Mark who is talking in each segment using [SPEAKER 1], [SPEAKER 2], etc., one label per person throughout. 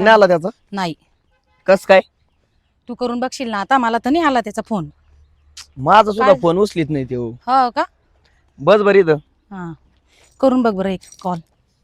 [SPEAKER 1] नाही आला त्याचा?
[SPEAKER 2] नाही.
[SPEAKER 1] कस काय?
[SPEAKER 2] तू करून बघशील ना आता? मला तर नाही आला त्याचा फोन.
[SPEAKER 1] माझा सुद्धा
[SPEAKER 2] काय?
[SPEAKER 1] फोन उचलीत नाही तो.
[SPEAKER 2] हो का?
[SPEAKER 1] बस बरी इथं.
[SPEAKER 2] हा, करून बघ बरं एक कॉल.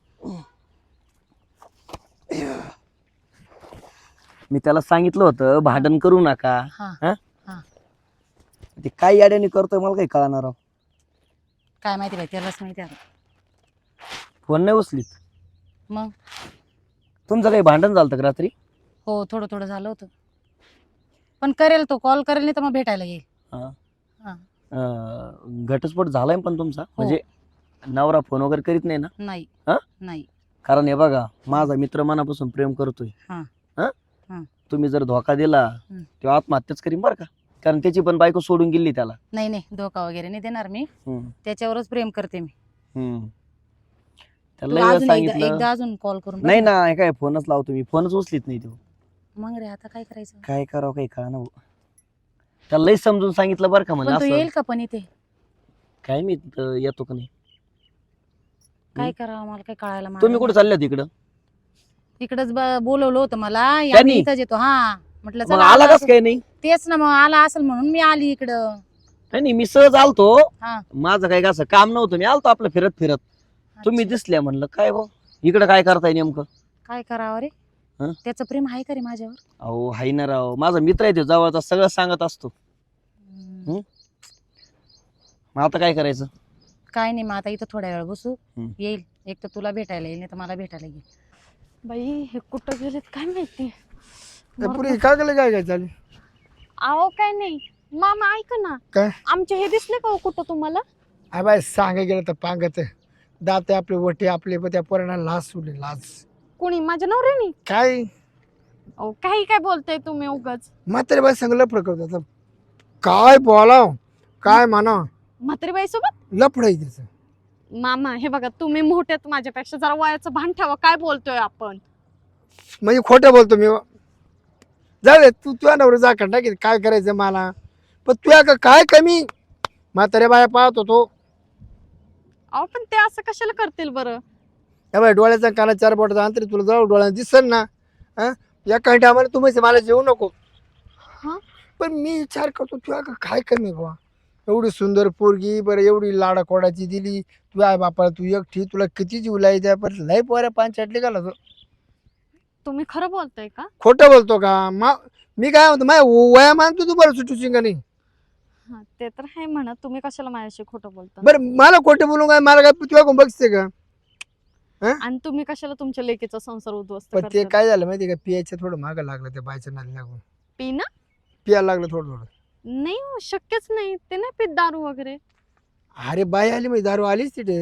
[SPEAKER 1] मी त्याला सांगितलं होतं भांडण करू नका.
[SPEAKER 2] हा
[SPEAKER 1] हा?
[SPEAKER 2] हा.
[SPEAKER 1] ते काय याड्याने करतोय मला काही कळणार राव.
[SPEAKER 2] काय माहिती बाई, त्यालाच माहिती आता.
[SPEAKER 1] फोन नाही उचलीत.
[SPEAKER 2] मग
[SPEAKER 1] तुमचं काही भांडण झालं का रात्री?
[SPEAKER 2] हो, थोडं थोडं झालं होतं. पण करेल तो, कॉल करेल, नाही तर मग भेटायला येईल.
[SPEAKER 1] हा.
[SPEAKER 2] हा.
[SPEAKER 1] घटस्फोट झालाय पण तुमचा म्हणजे नवरा फोन वगैरे करीत नाही ना?
[SPEAKER 2] नाही.
[SPEAKER 1] हा?
[SPEAKER 2] नाही.
[SPEAKER 1] कारण हे बघा, माझा मित्र मनापासून प्रेम करतोय.
[SPEAKER 2] हा.
[SPEAKER 1] हा?
[SPEAKER 2] हा.
[SPEAKER 1] तुम्ही जर धोका दिला तेव्हा आत्महत्याच करीन बरं का. कारण त्याची पण बायको सोडून गेली त्याला.
[SPEAKER 2] नाही नाही, धोका वगैरे नाही देणार मी.
[SPEAKER 1] हम्म.
[SPEAKER 2] त्याच्यावरच प्रेम करते मी.
[SPEAKER 1] हम्म.
[SPEAKER 2] तू
[SPEAKER 1] त्याला लय वेळा
[SPEAKER 2] अजून
[SPEAKER 1] सांगितलं.
[SPEAKER 2] एकदा अजून कॉल करून बघ
[SPEAKER 1] नाही
[SPEAKER 2] ना.
[SPEAKER 1] ना, हे काय फोनच लावतो मी, फोनच उचलीत नाही तो.
[SPEAKER 2] मग रे आता काय करायचं?
[SPEAKER 1] काय करावं काही कळना. त्याला लय समजून सांगितलं बरं का, म्हणजे
[SPEAKER 2] पण तो
[SPEAKER 1] असं
[SPEAKER 2] येईल का पण इथे?
[SPEAKER 1] काय मी येतो का नाही.
[SPEAKER 2] काय करावं मला काय कळायला.
[SPEAKER 1] तुम्ही कुठे चालले होते इकडं?
[SPEAKER 2] इकडच बोलवलं होतं मला.
[SPEAKER 1] त्यांनी?
[SPEAKER 2] इथंच येतो. हा, म्हटलं
[SPEAKER 1] मग
[SPEAKER 2] चला
[SPEAKER 1] आला
[SPEAKER 2] आला
[SPEAKER 1] कस काय नाही?
[SPEAKER 2] तेच ना, मग आला असेल म्हणून मी आली इकडं.
[SPEAKER 1] नाही मी सहज आलतो.
[SPEAKER 2] हा.
[SPEAKER 1] माझं काय असं काम नव्हतं, मी आलतो आपलं फिरत फिरत. तुम्ही दिसल्या म्हणलं काय भाऊ इकडं काय करताय नेमकं.
[SPEAKER 2] काय करावं रे?
[SPEAKER 1] हं?
[SPEAKER 2] त्याचं प्रेम आहे का रे माझ्यावर?
[SPEAKER 1] अहो हाय ना राव, माझा मित्र आहे तो जवळचा, सगळं सांगत असतो. मग आता काय करायचं?
[SPEAKER 2] काय नाही, मग आता इथं थोड्या वेळ बसू. येईल, एक तर तुला भेटायला येईल, नाही तर मला भेटायला येईल.
[SPEAKER 3] बाई हे कुठं गेलेत काय माहिती.
[SPEAKER 4] पुरी काय केलं, काय काय चालेल?
[SPEAKER 3] अहो काय नाही मामा, ऐका ना.
[SPEAKER 4] काय?
[SPEAKER 3] आमचे हे दिसले का हो कुठं तुम्हाला?
[SPEAKER 4] बाय सांगा गेलं तर पांगत दात आपले वटे आपले, पण त्या पोरांना लाज सोडली, लाज.
[SPEAKER 3] कोणी? माझ्या नवऱ्यानी?
[SPEAKER 4] काय
[SPEAKER 3] अहो काही काय बोलताय तुम्ही उगाच.
[SPEAKER 4] म्हातारे बाई संग लफड करतात. काय बोलाव काय म्हणा,
[SPEAKER 3] म्हातारीबाई सोबत
[SPEAKER 4] लफड आहे त्याचं.
[SPEAKER 3] मामा हे बघा, तुम्ही मोठ्यात माझ्यापेक्षा, जरा वयाचं भान ठेवा. काय बोलतोय आपण?
[SPEAKER 4] म्हणजे खोटं बोलतो मी? जाऊ दे, तू तुझ्या नवरा जा का टाकी, काय करायचं मला. पण तुझ्या का काय कमी म्हातारे बाया पाहत होतो.
[SPEAKER 3] अहो पण ते असं कशाला करतील बरं?
[SPEAKER 4] या बाई डोळ्याचा काना चार बोटाचा अंतर तुला जाऊ डोळ्यात दिसन ना. हा, या काही टायमाला तू म्हणजे मला जेवू नको.
[SPEAKER 3] हा,
[SPEAKER 4] पण मी विचार करतो तुझ्या का काय कमी बा. एवढी सुंदर पोरगी, बरं एवढी लाडा कोडाची दिली तुझ्या आई बापाला, तू एकटी, तुला किती जीव लाई द्या, पण लय पोऱ्या पांचाटली का तो.
[SPEAKER 3] तुम्ही खरं बोलताय का?
[SPEAKER 4] खोटं बोलतो का? मी काय म्हणतो, माझ्या वया मानतो तू बरं सुटूची का नाही.
[SPEAKER 3] हा ते तर आहे म्हणा. तुम्ही कशाला माझ्याशी खोटं बोलता?
[SPEAKER 4] बरं मला खोटं बोलू काय, मला काय तुझ्या कोण बघते का?
[SPEAKER 3] आणि तुम्ही कशाला तुमच्या लेकीचा संसार उद्ध्वस्त
[SPEAKER 4] पण ते
[SPEAKER 3] करताय?
[SPEAKER 4] काय झालं माहिती का, पियाचं थोडं मागं लागलं त्या बायच्या नादी लागून.
[SPEAKER 3] पिना?
[SPEAKER 4] पियाला लागलं थोडं थोडं.
[SPEAKER 3] नाही हो, शक्यच नाही. ते नाही पित दारू वगैरे.
[SPEAKER 4] अरे बाई आली म्हणजे दारू आलीच तिथे.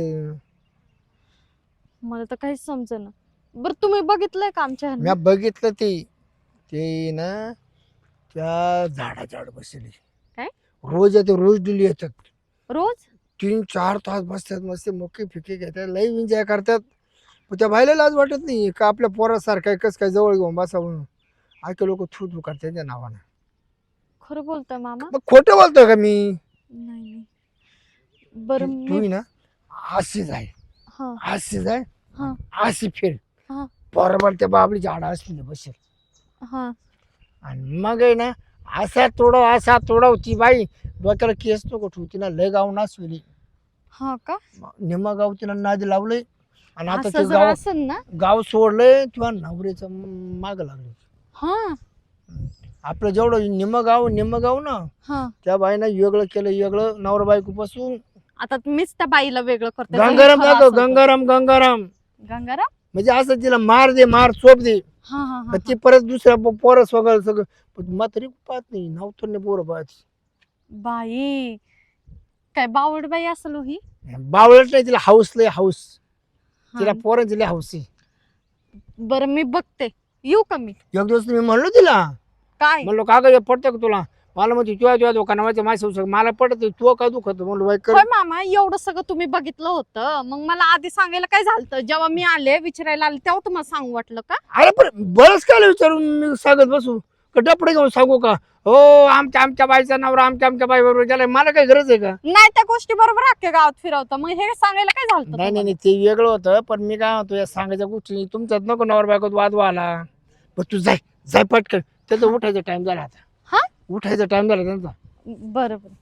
[SPEAKER 3] मला तर काहीच समजेना. बरं तुम्ही बघितलंय का आमच्या ह्यांना?
[SPEAKER 4] मी बघितलं ते ना त्या झाडाच्या आड बसले.
[SPEAKER 3] काय?
[SPEAKER 4] रोज येते, रोज दिली येतात.
[SPEAKER 3] रोज?
[SPEAKER 4] 3-4 तास बसतात, मस्त मोके फिके घेतात, लई एन्जॉय करतात. पण त्या बायला लाज वाटत नाही का आपल्या पोरासारखं कस काय जवळ घेऊन बसा म्हणून. आजकाल लोक थू थू करतात त्या नावानं.
[SPEAKER 3] खरं बोलतोय मामा?
[SPEAKER 4] मग खोटं बोलतोय का मी?
[SPEAKER 3] नाही. बरं
[SPEAKER 4] तू
[SPEAKER 3] मी
[SPEAKER 4] ना अशीच आहे,
[SPEAKER 3] हा
[SPEAKER 4] अशीच आहे,
[SPEAKER 3] हा
[SPEAKER 4] अशी फिर
[SPEAKER 3] हा
[SPEAKER 4] बरोबर त्या बाबली झाडा असली बसेल.
[SPEAKER 3] हा.
[SPEAKER 4] आणि मग आहे ना असा तोडव ती बाई डोक्याला केस नको ठेवती ना, लय गाव नाचविली.
[SPEAKER 3] हा का?
[SPEAKER 4] निम्मा गाव तिला नादी लावलंय. आणि आता
[SPEAKER 3] असं
[SPEAKER 4] ते
[SPEAKER 3] जर
[SPEAKER 4] गाव
[SPEAKER 3] असेल ना?
[SPEAKER 4] गाव सोडलंय किंवा नवऱ्याचं माग लागले.
[SPEAKER 3] हा
[SPEAKER 4] आपलं जेवढं निम्म गाव ना,
[SPEAKER 3] हा.
[SPEAKER 4] त्या बाईनं वेगळं केलं, वेगळं नवरा बायको पासून.
[SPEAKER 3] आता मीच त्या बाईला वेगळं करते.
[SPEAKER 4] गंगाराम जातो, गंगाराम
[SPEAKER 3] गंगाराम
[SPEAKER 4] म्हणजे असं तिला मार दे, मार चोप दे.
[SPEAKER 3] हा हा हा,
[SPEAKER 4] पण ती परत दुसऱ्या पोरं सगळं पण म्हातारी पाहत नाही, नवतर नाही पोरं पाहत.
[SPEAKER 3] बाई काय बावड बाई असेल हो ही.
[SPEAKER 4] बावळत नाही, तिला हाऊस लय हाऊस.
[SPEAKER 3] हा.
[SPEAKER 4] तिला पोरांची लय हाऊस आहे.
[SPEAKER 3] बरं मी बघते. येऊ का मी?
[SPEAKER 4] एक दिवस मी म्हणलो तिला,
[SPEAKER 3] काय?
[SPEAKER 4] म्हणलो का ग पडतं का तुला? मला म्हणते तुझ्या दुकानामध्ये माझ्या मला पडत तू काय दुखत म्हणलो बाई कर.
[SPEAKER 3] होय मामा, एवढं सगळं तुम्ही बघितलं होतं, मग मला आधी सांगायला काय झालं? जेव्हा मी आले विचारायला आले तेव्हा तुम्हाला सांगू वाटलं का?
[SPEAKER 4] अरे पण बरंच काय विचारून मी सांगत बसू का? डपडे घेऊन सांगू का? हो आमच्या बाईचा नवरा आमच्या बाई बरोबर गेलाय, मला काय गरज आहे का?
[SPEAKER 3] नाही, त्या गोष्टी बरोबर अख्ख्या गावात फिरवतं, मग हे सांगायला काय झालं
[SPEAKER 4] नाही ते वेगळं होतं. पण मी काय म्हणतो, या सांगायच्या गोष्टी तुमच्यात नको नवरा बायकोत वाद व्हायला. पण तू जाय जाय पटकन. त्याचा उठायचा टाइम झाला आता.
[SPEAKER 3] हा?
[SPEAKER 4] उठायचा टाइम झाला त्यांचा.
[SPEAKER 3] बरं बरं.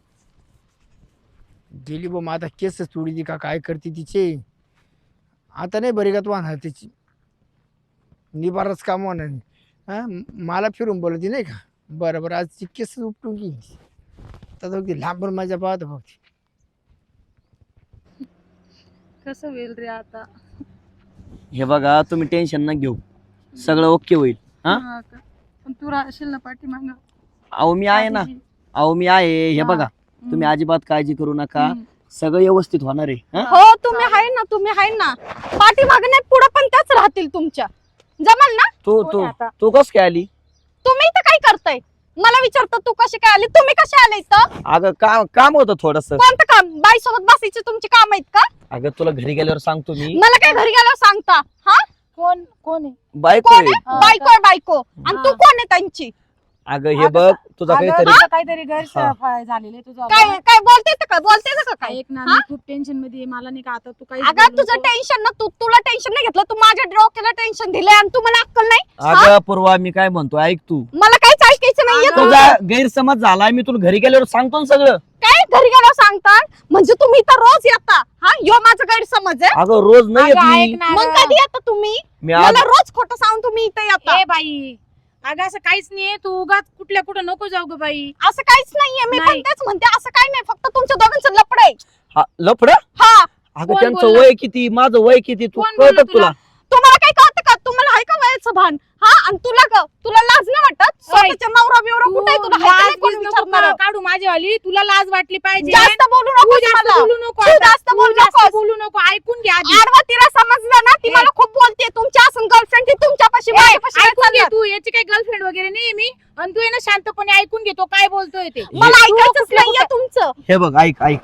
[SPEAKER 4] गेली बा आता केस तोडी का काय करते तिचे. आता नाही बरी का तू आणणार तिची निबारच काम होणार नाही. हा मला फिरून बोलती नाही का. बरं बरं आज ती केस उपटून गेली. तर अगदी लांबून माझ्या पाहत बघ.
[SPEAKER 3] कसं होईल रे आता.
[SPEAKER 1] हे बघा तुम्ही टेन्शन न घेऊ, सगळं ओके होईल. हा
[SPEAKER 3] हा का? पण तू राहशील ना पाठीमागं.
[SPEAKER 1] अहो मी आहे ना, अहो मी आहे. हे बघा तुम्ही अजिबात काळजी करू नका, सगळं व्यवस्थित होणार आहे. हा?
[SPEAKER 3] हो तुम्ही आहे ना, तुम्ही आहे ना. पाठीमागे नाही पुढे पण त्याच राहतील तुमच्या. जमल ना.
[SPEAKER 1] तू तू तू कस काय आली?
[SPEAKER 3] तुम्ही इथं काय करताय? मला विचारता तू कशी काय आली, तुम्ही कशी आले इथं?
[SPEAKER 1] अगं काम होतं थोडस.
[SPEAKER 3] कोणतं काम? बाई सोबत बसायचे तुमची काम आहेत का?
[SPEAKER 1] अगं तुला घरी गेल्यावर सांगतो मी.
[SPEAKER 3] मला काय घरी गेल्यावर सांगता? हा
[SPEAKER 2] कोण कोण आहे?
[SPEAKER 1] बायको
[SPEAKER 3] कोण
[SPEAKER 1] आहे.
[SPEAKER 3] आहे? बायको आहे बायको. आणि तू कोण आहे त्यांची?
[SPEAKER 1] अगं हे बघ तुझा काहीतरी
[SPEAKER 2] काहीतरी गैरसमज झालेलं आहे तुझं.
[SPEAKER 3] काय काय बोलते का? बोलते का काय?
[SPEAKER 2] ऐक ना,
[SPEAKER 3] हा?
[SPEAKER 2] मी खूप टेन्शन मध्ये आहे. मला नाही का आता तू काही
[SPEAKER 3] अगं तुझं टेन्शन ना, तुला टेन्शन नाही घेतलं, तू माझ्या डोक्याला टेन्शन दिलंय आणि तू मला अक्कल नाही.
[SPEAKER 1] अगं पूर्वा मी काय म्हणतो ऐक तू.
[SPEAKER 3] मला काहीच ऐकायचं नाहीये.
[SPEAKER 2] अगं,
[SPEAKER 1] तुझा गैरसमज झालाय, मी तुला घरी गेल्यावर सांगतो ना सगळं.
[SPEAKER 3] काय घरी गेल्यावर सांगतात म्हणजे तुम्ही इथं रोज येता? हा यो माझा गैरसमज आहे.
[SPEAKER 1] अगं रोज नाही येत
[SPEAKER 2] अगं,
[SPEAKER 1] मी.
[SPEAKER 2] ऐक ना
[SPEAKER 3] मग
[SPEAKER 2] गं.
[SPEAKER 3] कधी येता तुम्ही?
[SPEAKER 1] मी आज
[SPEAKER 3] मला रोज खोटं सांगून तुम्ही इथे येता.
[SPEAKER 2] ए बाई, अगं असं काहीच नाहीये. तू उगाच कुठल्या कुठं नको जाऊ ग बाई.
[SPEAKER 3] असं काहीच नाहीये. मी पण
[SPEAKER 2] नाही.
[SPEAKER 3] तेच म्हणते, असं काही नाही. फक्त तुमच्या दोघांचं लपड आहे.
[SPEAKER 1] लफड.
[SPEAKER 3] हा
[SPEAKER 1] अगं
[SPEAKER 2] कोण
[SPEAKER 1] त्यांचं
[SPEAKER 2] बोललं?
[SPEAKER 1] वय किती, माझं वय किती, तू
[SPEAKER 2] कोण
[SPEAKER 1] कळत
[SPEAKER 2] बोललं
[SPEAKER 1] तुला?
[SPEAKER 3] तुम्हाला काय कळतं का? तुम्हाला आहे का वयाचं भान? हा आणि तुला लाज नाही वाटत? स्वतःच्या नवरा बिवरा
[SPEAKER 2] तू
[SPEAKER 3] कुठे आहे? तुला हाय का नाही कोण
[SPEAKER 2] लाज नको
[SPEAKER 3] विचारणारं?
[SPEAKER 2] काढू माझीवाली. तुला लाज वाटली पाहिजे.
[SPEAKER 3] जास्त बोलू नको
[SPEAKER 2] तू जास्त
[SPEAKER 3] मला.
[SPEAKER 2] बोलू नको
[SPEAKER 3] तू
[SPEAKER 2] आता.
[SPEAKER 3] जास्त
[SPEAKER 2] तू
[SPEAKER 3] बोलू
[SPEAKER 2] जास्त
[SPEAKER 3] नकोस.
[SPEAKER 2] बोलू नको. ऐकून घ्या आधी.
[SPEAKER 3] आडवा तिला समजलं ना, ती
[SPEAKER 2] ए.
[SPEAKER 3] मला खूप बोलते. तुमची असं गर्लफ्रेंड ती तुमच्यापाशी माझ्यापाशी नाही
[SPEAKER 2] ऐकून घे
[SPEAKER 3] चालत.
[SPEAKER 2] तू. याची काही गर्लफ्रेंड वगैरे नाही मी. आणि तू आहे ना शांतपणे ऐकून घेतो काय बोलतोय ते.
[SPEAKER 3] मला
[SPEAKER 2] तू
[SPEAKER 3] ऐकायचंच
[SPEAKER 2] कुठल्या
[SPEAKER 3] नाहीये तुमचं.
[SPEAKER 1] हे बघ ऐक ऐक,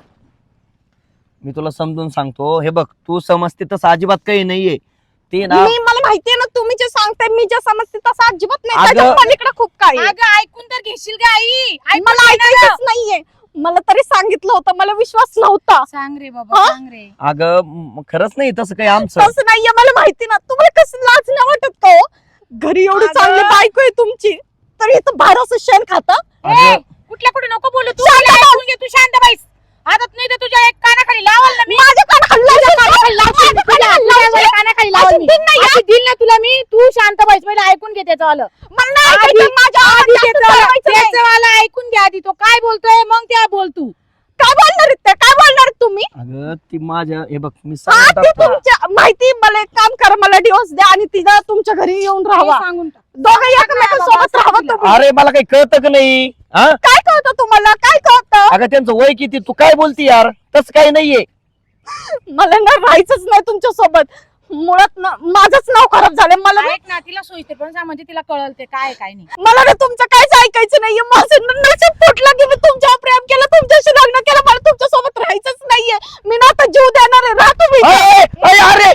[SPEAKER 1] मी तुला समजून सांगतो. हे बघ तू समजते तसं अजिबात काही नाहीये ते ना.
[SPEAKER 3] मला माहितीये ना तुम्ही जे सांगताय, मी जे समजते तसं अजिबात नाही.
[SPEAKER 1] अगं-
[SPEAKER 3] त्याच्या पलीकडे खूप काही आहे.
[SPEAKER 2] अगं ऐकून तर घेशील का आई? ऐकून
[SPEAKER 3] मला
[SPEAKER 2] घे ना गं.
[SPEAKER 3] ऐकायचंच नाहीये. मला तरी सांगितलं होतं, मला विश्वास नव्हता.
[SPEAKER 2] सांग रे बाबा,
[SPEAKER 3] हा?
[SPEAKER 2] सांग रे.
[SPEAKER 1] अगं खरंच नाही तसं काही आमचं.
[SPEAKER 3] तसं नाहीये. मला माहिती ना. तुम्हाला कसं लाज नाही वाटत का हो? घरी एवढी
[SPEAKER 2] अगं.
[SPEAKER 3] चांगली बायको आहे तुमची, तरी इथं बाहेर असं शेण खाता.
[SPEAKER 1] अगं,
[SPEAKER 2] कुठल्या कुठे नको बोलू तू.
[SPEAKER 3] शांत
[SPEAKER 2] मला
[SPEAKER 3] बस.
[SPEAKER 2] ऐकून घे तू. शांत बाईस. आता नाही तर तुझ्या एक कानाखाली लावल ना मी.
[SPEAKER 3] माझ्या कानाखाली लावशील.
[SPEAKER 2] कानाखाली लावशील.
[SPEAKER 3] माझ्या
[SPEAKER 2] तुझ्या
[SPEAKER 3] कानाखाली लावशील.
[SPEAKER 2] कानाखाली लावल
[SPEAKER 3] असं
[SPEAKER 2] मी.
[SPEAKER 3] दिन नाही,
[SPEAKER 2] असं दिल ना तुला मी. तू शांत बाईस. पहिले ऐकून घे त्याचं आलं.
[SPEAKER 3] मला नाही ऐकायचं. माझ्या आवाजात जास्त चालवायचं नाही.
[SPEAKER 2] त्याचं आलं ऐकून घे आधी. तो काय बोलतोय मग त्या बोल तू.
[SPEAKER 3] काय बोलणार आहेत ते? काय बोलणार आहेत तुम्ही?
[SPEAKER 1] अगं ती माझ्या हे बघ मी
[SPEAKER 3] हा,
[SPEAKER 1] सांगत
[SPEAKER 3] ते
[SPEAKER 1] असतो.
[SPEAKER 3] तुमच्या माहिती. मला एक काम करा, मला डिवोर्स द्या आणि तिला तुमच्या घरी येऊन राहावा.
[SPEAKER 2] हे सांगून टाक.
[SPEAKER 3] दोघं एकमेकांसोबत राहावं तुम्ही.
[SPEAKER 1] अरे मला काही कळतं का नाही? हा
[SPEAKER 3] काय कळतं तुम्हाला? काय कळतं?
[SPEAKER 1] अगं त्यांचं वय किती, तू काय बोलती यार? तसं काही नाहीये.
[SPEAKER 3] मला ना राहायचंच नाही तुमच्या सोबत. मुळात ना माझंच नाव खराब झालंय. मला ना-
[SPEAKER 2] ऐक ना, तिला सोयीस्तर पण सांग म्हणजे तिला कळल ते काय काय नाही.
[SPEAKER 3] मला ना तुमचं काहीच ऐकायचं नाहीये. माझं ना नशीब फुटलं की मी तुमच्यावर प्रेम केलं, तुमच्याशी लग्न केलं. मला तुमच्या सोबत राहायचंच नाहीये. मी ना आता जीव देणार आहे. राहा तुम्ही.
[SPEAKER 1] अय, अय, अरे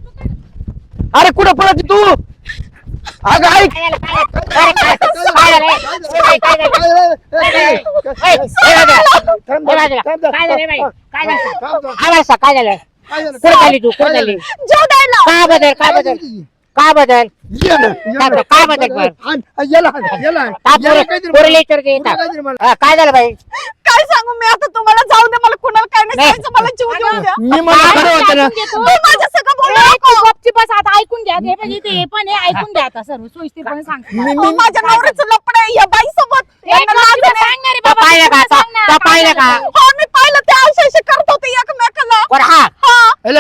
[SPEAKER 1] अरे कुठं पळत तू? अगं ऐक.
[SPEAKER 5] काय झालं कुठे झाली तू कुठे झाली
[SPEAKER 3] जीव द्यायला.
[SPEAKER 5] काय बदल काय बदल काय बदल काय बदल काय झालं बाई
[SPEAKER 3] काय सांगू मी आता तुम्हाला? जाऊ दे. मला कुणाला काय नाही
[SPEAKER 5] नाही.
[SPEAKER 3] सांगायचं. मला जीव देऊ द्या.
[SPEAKER 4] मी मला खरं होतं ना.
[SPEAKER 3] तुम्ही माझ्या सगळं बोलू
[SPEAKER 2] ए,
[SPEAKER 3] नको.
[SPEAKER 2] तू गपचूप बस आता. ऐकून घ्या. हे पण इथे हे पण आहे. ऐकून घ्या आता सर्व सोयीस्तर सांग.
[SPEAKER 3] अहो, माझ्या नवऱ्याचं लपड आहे या बाई सोबत.
[SPEAKER 2] सांग ना रे बाबा.
[SPEAKER 5] पाहिलं का
[SPEAKER 2] सांग ना,
[SPEAKER 5] तो पाहिलं का
[SPEAKER 3] हो मी पाहिलं ते अवशेष करत होते एकमेकाला.
[SPEAKER 5] कोण हा
[SPEAKER 3] हा.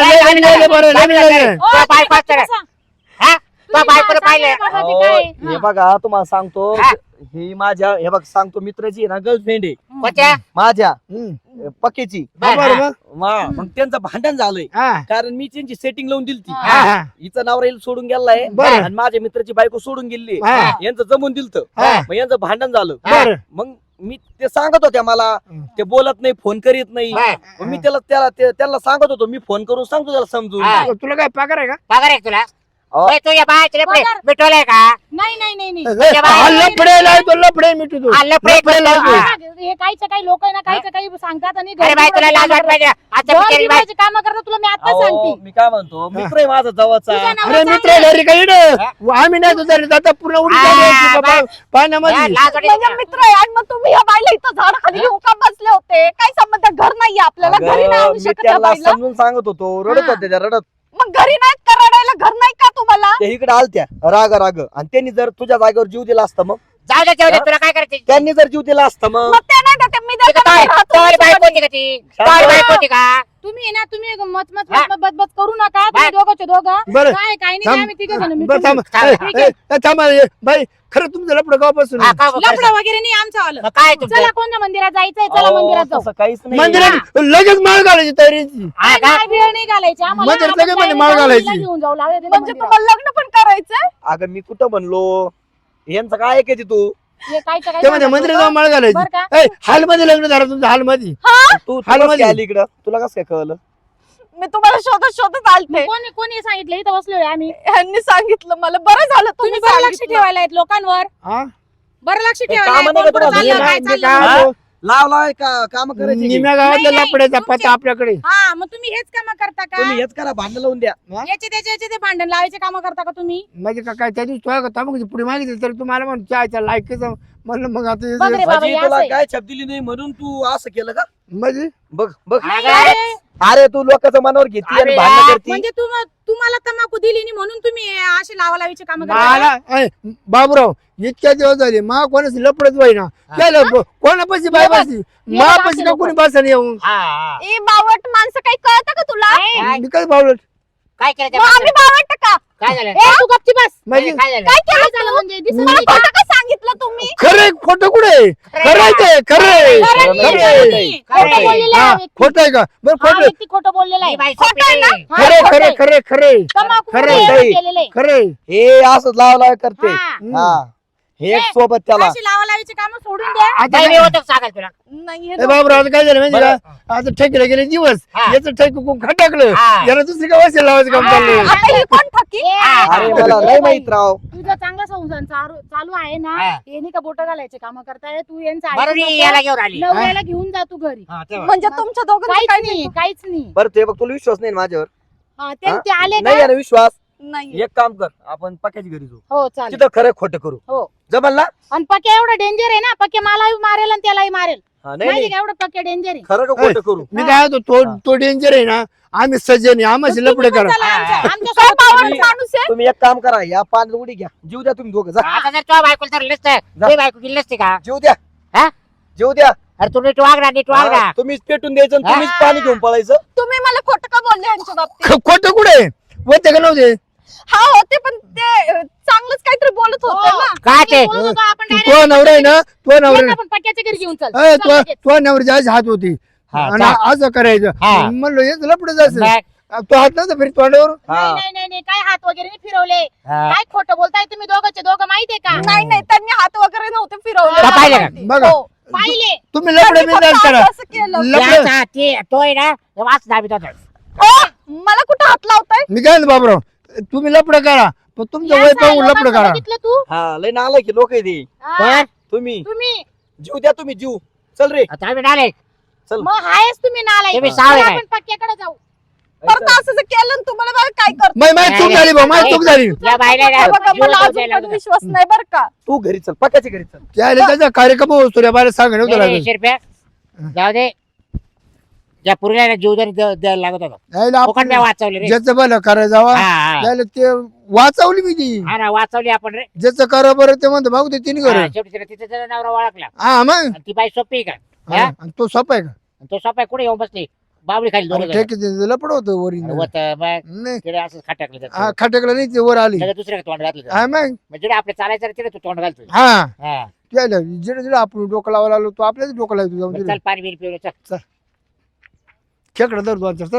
[SPEAKER 2] ओ,
[SPEAKER 5] तो बायको
[SPEAKER 2] तिला
[SPEAKER 5] असतं.
[SPEAKER 2] सांग.
[SPEAKER 5] हा तो बायकोला
[SPEAKER 2] सांग
[SPEAKER 5] पाहिलं
[SPEAKER 2] रे बाबा, ते
[SPEAKER 1] अहो,
[SPEAKER 2] काय?
[SPEAKER 1] हे बघा तुम्हाला सांगतो.
[SPEAKER 5] हा.
[SPEAKER 1] ही माझ्या हे बघ सांगतो मित्राची आहे ना गर्लफ्रेंड आहे
[SPEAKER 5] कोणत्या
[SPEAKER 1] माझ्या पक्कीची. मग त्यांचं भांडण झालंय कारण मी त्यांची सेटिंग लावून दिली ती. हिचं नवरा हिला सोडून गेलाय
[SPEAKER 4] बरं.
[SPEAKER 1] आणि माझ्या मित्राची बायको सोडून गेली.
[SPEAKER 4] हा.
[SPEAKER 1] यांचं जमून दिलत.
[SPEAKER 4] हा.
[SPEAKER 1] मग यांचं भांडण झालं.
[SPEAKER 4] बरं.
[SPEAKER 1] मग मी ते सांगत होत्या मला ते बोलत नाही, फोन करीत नाही. मग मी त्याला सांगत होतो, मी फोन करून सांगतो त्याला समजून.
[SPEAKER 5] हा.
[SPEAKER 4] तुला काय पगार आहे का?
[SPEAKER 5] पगार आहे तुला
[SPEAKER 1] अहो,
[SPEAKER 5] तू या बायचे लफडे
[SPEAKER 3] पगार.
[SPEAKER 5] मिटवलंय का
[SPEAKER 3] नाही नाही नाही नाही
[SPEAKER 4] हा लफडे लावतो लफडे मिटू तू
[SPEAKER 5] हा, लफडे
[SPEAKER 4] लफडे लावतो.
[SPEAKER 5] हा.
[SPEAKER 3] हे काहीच्या काही लोक आहे ना काहीच्या काही सांगतात आणि
[SPEAKER 5] अरे बाई तुला लाज वाट पाहिजे आता बिचारी बाई
[SPEAKER 3] काम करतात तुला मी आता
[SPEAKER 1] अहो,
[SPEAKER 3] सांगते
[SPEAKER 1] मी काय म्हणतो मित्र आहे माझा जवळचा
[SPEAKER 3] तुझा नवरा
[SPEAKER 4] अरे
[SPEAKER 3] चांगला
[SPEAKER 4] मित्र
[SPEAKER 3] आहे.
[SPEAKER 4] घरी काही आम्ही नाही तुझा आता पूर्ण उडी
[SPEAKER 5] हा,
[SPEAKER 4] झाली
[SPEAKER 5] बाय.
[SPEAKER 4] पाण्यामध्ये
[SPEAKER 5] लाज वाटते
[SPEAKER 3] म्हणजे
[SPEAKER 5] का?
[SPEAKER 3] मित्र आहे आणि मग तुम्ही या बाईला इथं झाड खाली घेऊन का बसले होते काय संबंध घर नाहीये आपल्याला घरी नाही
[SPEAKER 1] अगं,
[SPEAKER 3] आणू
[SPEAKER 1] मी
[SPEAKER 3] शकत या
[SPEAKER 1] त्याला
[SPEAKER 3] बाईला
[SPEAKER 1] समजून सांगत होतो रडत
[SPEAKER 3] हा.
[SPEAKER 1] होते त्या रडत
[SPEAKER 3] मग घरी नाहीत का रडायला घर नाही का तुम्हाला
[SPEAKER 1] ते इकडे आलत्या राग आणि त्यांनी जर तुझ्या जागेवर जीव दिला असता मग
[SPEAKER 5] जाऊ दे जाऊ दे
[SPEAKER 1] हा?
[SPEAKER 5] तुला काय करायचं
[SPEAKER 1] त्यांनी जर जीव दिला असता मग
[SPEAKER 3] मग ते नाही देते, मी देते ना, राहतो
[SPEAKER 5] तोरी बाई
[SPEAKER 3] तुमच्याकडे.
[SPEAKER 5] कोणती का ती तोरी बाई कोणती का
[SPEAKER 3] तुम्ही ना तुम्ही मत मत
[SPEAKER 5] हा.
[SPEAKER 3] बदबद करू नका तुम्ही
[SPEAKER 5] बाय.
[SPEAKER 3] दोघंचे दोघं
[SPEAKER 4] बरं.
[SPEAKER 3] काय काही नाही
[SPEAKER 4] थांब.
[SPEAKER 3] आम्ही तिघं जण
[SPEAKER 4] बरं, थांब.
[SPEAKER 5] ठीक
[SPEAKER 4] ए, ए, थांब ए, बाई खरं तुमचं लपडं गावापासून
[SPEAKER 5] हा, का-
[SPEAKER 3] लफडं वगैरे नाही आमचं आलं
[SPEAKER 5] मग काय तुमचं
[SPEAKER 3] चला कोणत्या मंदिरात जायचंय चला
[SPEAKER 1] अहो,
[SPEAKER 3] मंदिरात जाऊ
[SPEAKER 1] तसं काहीच नाही
[SPEAKER 4] मंदिरात लगेच माळ घालायची तयारीची
[SPEAKER 5] हा का?
[SPEAKER 3] काय वेळ नाही घालायची आम्हाला
[SPEAKER 4] मंदिरात
[SPEAKER 3] आपण
[SPEAKER 4] लगेच म्हणजे
[SPEAKER 3] जायला
[SPEAKER 4] माळ
[SPEAKER 3] जाऊ,
[SPEAKER 4] घालायची.
[SPEAKER 3] हिला घेऊन जाऊ लागले
[SPEAKER 6] म्हणजे तुम्हाला लग्न पण करायचंय
[SPEAKER 1] अगं मी कुठं म्हणलो यांचं काय ऐकायची तू
[SPEAKER 4] ते म्हणजे मंदिरात जाऊन माळ घालायची
[SPEAKER 3] बरं का?
[SPEAKER 4] ए, हॉलमध्ये लग्न झालं तुमचं हॉलमध्ये
[SPEAKER 1] तू
[SPEAKER 4] हॉलमध्ये.
[SPEAKER 1] कशी आली इकडं तुला कसं काय कळलं
[SPEAKER 6] मी तुम्हाला शोधत शोधत आलते
[SPEAKER 3] कोणी कोणी सांगितलं इथं बसलोय आम्ही
[SPEAKER 6] ह्यांनी सांगितलं मला बरं झालं
[SPEAKER 3] तुम्ही
[SPEAKER 6] तुम्ही
[SPEAKER 3] बरं लक्ष
[SPEAKER 6] सांगितलं.
[SPEAKER 3] ठेवायला आहेत लोकांवर
[SPEAKER 4] हा?
[SPEAKER 3] बरं लक्ष
[SPEAKER 1] ते
[SPEAKER 3] ठेवायला
[SPEAKER 1] कामं
[SPEAKER 3] आहेत,
[SPEAKER 1] नाही का
[SPEAKER 3] कोण कुठं
[SPEAKER 1] तुम्हाला?
[SPEAKER 3] चाललं, काय
[SPEAKER 4] मी
[SPEAKER 3] चाललं.
[SPEAKER 4] काय
[SPEAKER 1] हा?
[SPEAKER 4] म्हणतो,
[SPEAKER 1] लाव लाव का काम करायची
[SPEAKER 4] निम्या गावातल्या
[SPEAKER 3] नाही,
[SPEAKER 4] लपड्याचा
[SPEAKER 3] तुमचे-
[SPEAKER 4] पत्ता आपल्याकडे
[SPEAKER 3] हा मग तुम्ही हेच काम करता का
[SPEAKER 1] तुम्ही हेच करा भांडण लावून द्या
[SPEAKER 3] याचे त्याचे ते भांडण लावायचे काम करता का तुम्ही
[SPEAKER 4] म्हणजे काय त्या दिवशी तुला तांबूची पुढे मागितली तर तुम्हाला म्हणून चहाच्या लायकीच म्हणलं मग आता
[SPEAKER 3] बघ रे बाबा,
[SPEAKER 1] म्हणजे
[SPEAKER 3] हे
[SPEAKER 1] तुला
[SPEAKER 3] असं आहे.
[SPEAKER 1] काय छाप दिली नाही म्हणून तू असं केलं का
[SPEAKER 4] म्हणजे
[SPEAKER 1] बघ बघ
[SPEAKER 5] अगं,
[SPEAKER 1] अरे तू लोकांचं मनावर घेते आणि
[SPEAKER 5] अरे
[SPEAKER 1] भांडण
[SPEAKER 5] यार,
[SPEAKER 1] करती
[SPEAKER 3] म्हणजे तुम्हाला तंबाखू दिली नाही म्हणून तुम्ही असे लावालावीचे काम करता
[SPEAKER 4] मला ए, बाबूराव इतक्या दिवस झाले मा कोणाच लपडच व्हायना केलं कोणापाशी बाय बसली मा
[SPEAKER 3] बघ,
[SPEAKER 4] पाशी
[SPEAKER 3] असे
[SPEAKER 4] ना
[SPEAKER 3] लोकं.
[SPEAKER 4] कोणी बसन येऊन
[SPEAKER 5] हा, हा.
[SPEAKER 6] ए बावट माणसं काही कळतं का तुला
[SPEAKER 5] काय?
[SPEAKER 4] मी काय बावलं
[SPEAKER 5] काय केलं त्या
[SPEAKER 6] मग आम्ही
[SPEAKER 5] माणसाने?
[SPEAKER 6] बावट का
[SPEAKER 5] काय झालं
[SPEAKER 3] ए, तू गपची बस
[SPEAKER 4] म्हणजे
[SPEAKER 5] काय झालं
[SPEAKER 6] काय
[SPEAKER 3] काय
[SPEAKER 6] केलं
[SPEAKER 3] झालं
[SPEAKER 6] तू?
[SPEAKER 3] म्हणजे दिसत
[SPEAKER 6] मला
[SPEAKER 3] नाही का?
[SPEAKER 6] खोटं का सांगितलं तुम्ही
[SPEAKER 4] खरे खोटं कुठे खरंय खरंय
[SPEAKER 3] खरं नाही,
[SPEAKER 1] खरं
[SPEAKER 3] खरं
[SPEAKER 1] आहे.
[SPEAKER 3] नाही.
[SPEAKER 5] खरं
[SPEAKER 3] खोटं
[SPEAKER 5] आहे.
[SPEAKER 3] बोललेला
[SPEAKER 4] हा
[SPEAKER 3] आहे व्यक्ती.
[SPEAKER 4] खोट आहे का बरं
[SPEAKER 3] हा
[SPEAKER 4] खोट
[SPEAKER 3] व्यक्ती खोटं बोललेला आहे
[SPEAKER 5] ही बाई
[SPEAKER 6] खोटं आहे
[SPEAKER 5] सोपी
[SPEAKER 6] ना?
[SPEAKER 5] नाही.
[SPEAKER 3] हा,
[SPEAKER 4] खरे
[SPEAKER 3] खोटं
[SPEAKER 4] खरे
[SPEAKER 3] आहे.
[SPEAKER 4] खरे खरे
[SPEAKER 3] तंबाखू
[SPEAKER 1] खरं
[SPEAKER 3] मध्ये
[SPEAKER 1] आहे.
[SPEAKER 3] केलेलं आहे.
[SPEAKER 4] खरे
[SPEAKER 1] हे असं लाव लाव करते
[SPEAKER 3] हा.
[SPEAKER 1] हा हे एक
[SPEAKER 3] ए,
[SPEAKER 1] सोबत त्याला
[SPEAKER 3] अशी लावालावीचे काम सोडून द्या
[SPEAKER 4] आता
[SPEAKER 5] नाही, मी होतो सांगाल तुला
[SPEAKER 6] नाही हे
[SPEAKER 4] ए बाबूराव आता काय झालं माहिती का आता ठेकीला गेले दिवस
[SPEAKER 5] हा.
[SPEAKER 4] याचं ठेक खटाकलं
[SPEAKER 5] हा.
[SPEAKER 4] याला दुसरी काय वसेल लावायचं काम
[SPEAKER 5] हा.
[SPEAKER 4] चाललंय
[SPEAKER 6] आता ही कोण ठकी
[SPEAKER 3] ए,
[SPEAKER 1] अरे
[SPEAKER 3] ए,
[SPEAKER 1] मला
[SPEAKER 3] ए,
[SPEAKER 1] लय
[SPEAKER 3] बाई,
[SPEAKER 1] माहित राव
[SPEAKER 3] तुझं चांगला संसार चालू आहे ना
[SPEAKER 5] हा.
[SPEAKER 3] हे नाही का बोट घालायचे काम करताय तू यांचं
[SPEAKER 5] बरं
[SPEAKER 3] ऐकू
[SPEAKER 5] मी
[SPEAKER 3] नको.
[SPEAKER 5] याला घेऊन आली
[SPEAKER 3] नवऱ्याला घेऊन जा तू घरी
[SPEAKER 5] हा, तेव्हा.
[SPEAKER 6] म्हणजे तुमच्या दोघांचं
[SPEAKER 3] काहीच
[SPEAKER 6] काय
[SPEAKER 3] नाही काहीच नाही
[SPEAKER 1] बरं ते बघ तुला विश्वास नाही ना माझ्यावर
[SPEAKER 3] हा,
[SPEAKER 1] हा?
[SPEAKER 3] ते आले
[SPEAKER 1] नाही
[SPEAKER 3] का
[SPEAKER 1] आहे ना विश्वास
[SPEAKER 6] नाही
[SPEAKER 1] एक काम कर आपण पक्याची घरी जाऊ
[SPEAKER 3] हो चालेल
[SPEAKER 1] तिथं खरं खोटं करू
[SPEAKER 3] हो
[SPEAKER 1] जमल ना
[SPEAKER 3] आणि पक्या एवढं डेंजर आहे ना पक्या मलाही मारेल आणि त्यालाही मारेल
[SPEAKER 1] हा नाही
[SPEAKER 3] माहिती
[SPEAKER 1] नाही
[SPEAKER 3] का एवढं पक्या डेंजर आहे
[SPEAKER 1] खरं का खोटं करू
[SPEAKER 4] मी काय होतो तो डेंजर आहे ना आम्ही सज्जन आहे आम्हाला लपडे
[SPEAKER 3] तुम्ही पण
[SPEAKER 4] करा
[SPEAKER 3] चला आमच्या-
[SPEAKER 5] हा.
[SPEAKER 3] आमच्या
[SPEAKER 6] काय
[SPEAKER 3] सोबत
[SPEAKER 6] बावट
[SPEAKER 1] तुम्ही-
[SPEAKER 6] माणूस आहे
[SPEAKER 1] तुम्ही एक काम करा या पाण्यात उडी घ्या जीव द्या तुम्ही दोघं जा
[SPEAKER 5] आता जर तुझ्या बायकोला तर नसतं तुझी बायको गेली नसती का
[SPEAKER 1] जीव द्या
[SPEAKER 5] हा?
[SPEAKER 1] जीव द्या
[SPEAKER 5] अरे तू नीट वाग ना नीट वाग ना
[SPEAKER 1] हा, तुम्हीच पेटून द्यायचं आणि तुम्हीच
[SPEAKER 3] हा.
[SPEAKER 1] पाणी घेऊन पळायचं
[SPEAKER 6] तुम्ही मला खोटं का बोलले यांच्या बाबतीत
[SPEAKER 4] खोटं कुठे होते का नव्हते
[SPEAKER 6] हा होते पण ते चांगलंच काहीतरी बोलत होते
[SPEAKER 3] हो.
[SPEAKER 6] ना
[SPEAKER 5] काय ते
[SPEAKER 3] बोलत होतो आपण
[SPEAKER 4] तू
[SPEAKER 3] direct
[SPEAKER 4] नवरा आहे ना तो नवरा
[SPEAKER 3] येत आपण पक्याच्या घरी घेऊन चल
[SPEAKER 4] ए,
[SPEAKER 3] चल लगेच.
[SPEAKER 4] तो नवरी जायची हात होती
[SPEAKER 5] हा,
[SPEAKER 4] आणि
[SPEAKER 5] चाल.
[SPEAKER 4] असं करायचं
[SPEAKER 5] हा.
[SPEAKER 4] म्हणलं हे लपडे जायचं
[SPEAKER 5] मग,
[SPEAKER 4] तो हात नव्हता फिर तोंडावर
[SPEAKER 1] हा
[SPEAKER 3] नाही नाही नाही नाही काय हात वगैरे नाही फिरवले
[SPEAKER 5] हा.
[SPEAKER 3] काय खोटं बोलताय तुम्ही दोघंचे दोघं माहितीये का
[SPEAKER 6] नाही नाही त्यांनी हात वगैरे नव्हते फिरवले
[SPEAKER 5] का पाहिलं का?
[SPEAKER 6] माहिती.
[SPEAKER 4] बघा.
[SPEAKER 6] हो.
[SPEAKER 3] पाहिले
[SPEAKER 4] तुम्ही लपडे
[SPEAKER 6] त्यांनी
[SPEAKER 4] बिंदास
[SPEAKER 6] फक्त
[SPEAKER 4] करा
[SPEAKER 6] असं केलं
[SPEAKER 4] लपडे
[SPEAKER 5] याचा ते तो आहे ना हे वाच दाबीत होता
[SPEAKER 6] ओ, मला कुठं हात लावताय
[SPEAKER 4] मी काय म्हणतो बाबराव तुम्ही लपडे करा पण तुमचं
[SPEAKER 3] या
[SPEAKER 4] वय
[SPEAKER 3] साऱ्या
[SPEAKER 4] पाहून लपडे
[SPEAKER 3] लोकांचं
[SPEAKER 4] करा
[SPEAKER 3] बघितलं तू
[SPEAKER 1] हा लय नालाय की लोक आहे
[SPEAKER 3] हा,
[SPEAKER 5] तर
[SPEAKER 1] तुम्ही
[SPEAKER 3] तुम्ही
[SPEAKER 1] जीव द्या तुम्ही जीव चल रे
[SPEAKER 5] आता आम्ही डाले
[SPEAKER 1] चल
[SPEAKER 3] मग हायच तुम्ही नालायक
[SPEAKER 5] तुम्ही
[SPEAKER 3] चला
[SPEAKER 5] सावळे काय?
[SPEAKER 3] आपण पक्क्याकडे जाऊ
[SPEAKER 6] परत असं जर केलं ना तुम्हाला बघा काय करतो
[SPEAKER 4] माही चूक झाली भाऊ माही चूक झाली
[SPEAKER 5] या बायला ना
[SPEAKER 6] बघा
[SPEAKER 5] जीव
[SPEAKER 6] मला
[SPEAKER 5] जाऊ
[SPEAKER 6] अजून
[SPEAKER 5] द्यायला
[SPEAKER 6] पण
[SPEAKER 5] लागला.
[SPEAKER 6] विश्वास नाही बरं का
[SPEAKER 1] तू घरी चल पक्याच्या घरी चल
[SPEAKER 4] त्याला त्याचा कार्यक्रम होतो रे बाहेर सांग
[SPEAKER 5] नाही,
[SPEAKER 4] नव्हतं
[SPEAKER 5] नाही,
[SPEAKER 4] लागत
[SPEAKER 5] शिरप्या जाऊ दे या पुरीला जीव जरी द्यायला लागत होता
[SPEAKER 4] यायला
[SPEAKER 5] फुकट नाही
[SPEAKER 4] आपण
[SPEAKER 5] वाचवली रे
[SPEAKER 4] ज्याचं भलं करा जावा
[SPEAKER 5] हा, हा.
[SPEAKER 4] त्याला ते वाचवली मी ती
[SPEAKER 5] हा ना वाचवली आपण रे
[SPEAKER 4] ज्याचं करा बरं ते म्हणतो भाऊ ते तिने घर
[SPEAKER 5] हा, शेवटी तिला तिचा जरा नवरा ओळखला
[SPEAKER 4] हा मग
[SPEAKER 5] आणि ती बाई सोपी आहे का
[SPEAKER 4] हा, आणि तो सोपा आहे का
[SPEAKER 5] आणि तो सोपा कुठे येऊन बसली बाबळी खाली दोन
[SPEAKER 4] ठीक आहे लपड होतं वरी
[SPEAKER 5] होत मग
[SPEAKER 4] नाही
[SPEAKER 5] तिकडे असं खाटाकलं
[SPEAKER 4] हा
[SPEAKER 5] त्याचं.
[SPEAKER 4] खटकला नाही ते वर आली
[SPEAKER 5] लगेच दुसऱ्या तोंड घातलं
[SPEAKER 4] हा मग
[SPEAKER 5] म्हणजे जिकडे आपले चालायचं रे तिकडे तू तोंड घालतो
[SPEAKER 4] हा
[SPEAKER 5] हा
[SPEAKER 4] त्याला जिडे जिडे आपण डोकं लावायला आलो तो आपल्याच डोकं लावतो
[SPEAKER 5] मग
[SPEAKER 4] जाऊन
[SPEAKER 5] चल पाणी बिनी पिऊ चल
[SPEAKER 4] खेकडं धरतो